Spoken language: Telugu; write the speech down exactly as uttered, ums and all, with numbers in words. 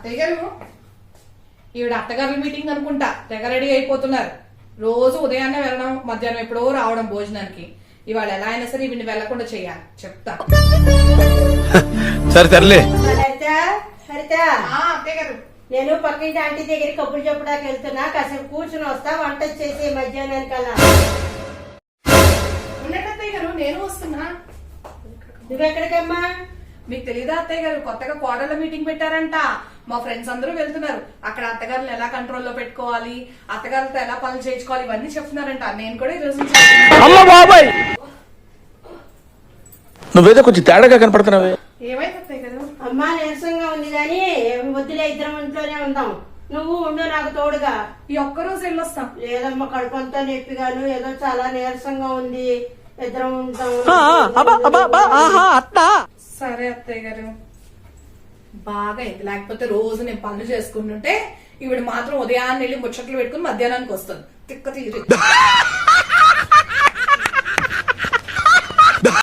అత్తయ్య గారు ఈవిడ అత్తగారుల మీటింగ్ అనుకుంటా తెగ రెడీ అయిపోతున్నారు. రోజు ఉదయాన్నే వెళ్ళడం, మధ్యాహ్నం ఎప్పుడో రావడం భోజనానికి. ఇవాళ ఎలా అయినా సరే ఈవిని వెళ్లకుండా చెయ్యాలి. చెప్తా. సరే తరలే. అత్తయ్య గారు నేను పక్కింటి ఆంటీ దగ్గర కబుర్లు చెప్పడానికి వెళ్తున్నా, కాసేపు కూర్చుని వస్తా, వంట చేసి మధ్యాహ్నానికల్లా. ఉన్నట్టు అత్తయ్య గారు నేను వస్తున్నా. నువ్వెక్కడికమ్మా? మీకు తెలీదా అత్తయ్య గారు, కొత్తగా కోడళ్ళ మీటింగ్ పెట్టారంట. మా ఫ్రెండ్స్ అందరూ వెళ్తున్నారు. అక్కడ అత్తగారులు ఎలా కంట్రోల్లో పెట్టుకోవాలి, అత్తగారులతో ఎలా పనులు చేయించుకోవాలి, ఇవన్నీ చెప్తున్నారంట. నేను కూడా ఈ రోజు నువ్వేదో కొంచెం తేడాగా కనపడుతున్నావే. ఏమైంది అత్తయ్య గారు? అమ్మా నీరసంగా ఉంది గాని వద్దులే, ఇద్దరం ఇంట్లోనే ఉందాం. నువ్వు ఉండు నాకు తోడుగా. ఈ ఒక్క రోజు వెళ్ళొస్తాం. లేదమ్మా, కడుపంతా నొప్పిగాను, ఏదో చాలా నీరసంగా ఉంది. ఇద్దరం ఉంటాం. సరే అత్తయ్య గారు. బాగా అయింది. లేకపోతే రోజు నేను పనులు చేసుకుంటుంటే ఈవిడ మాత్రం ఉదయాన్నే వెళ్ళి ముచ్చట్లు పెట్టుకుని మధ్యాహ్నానికి వస్తుంది. తిక్క తీరు.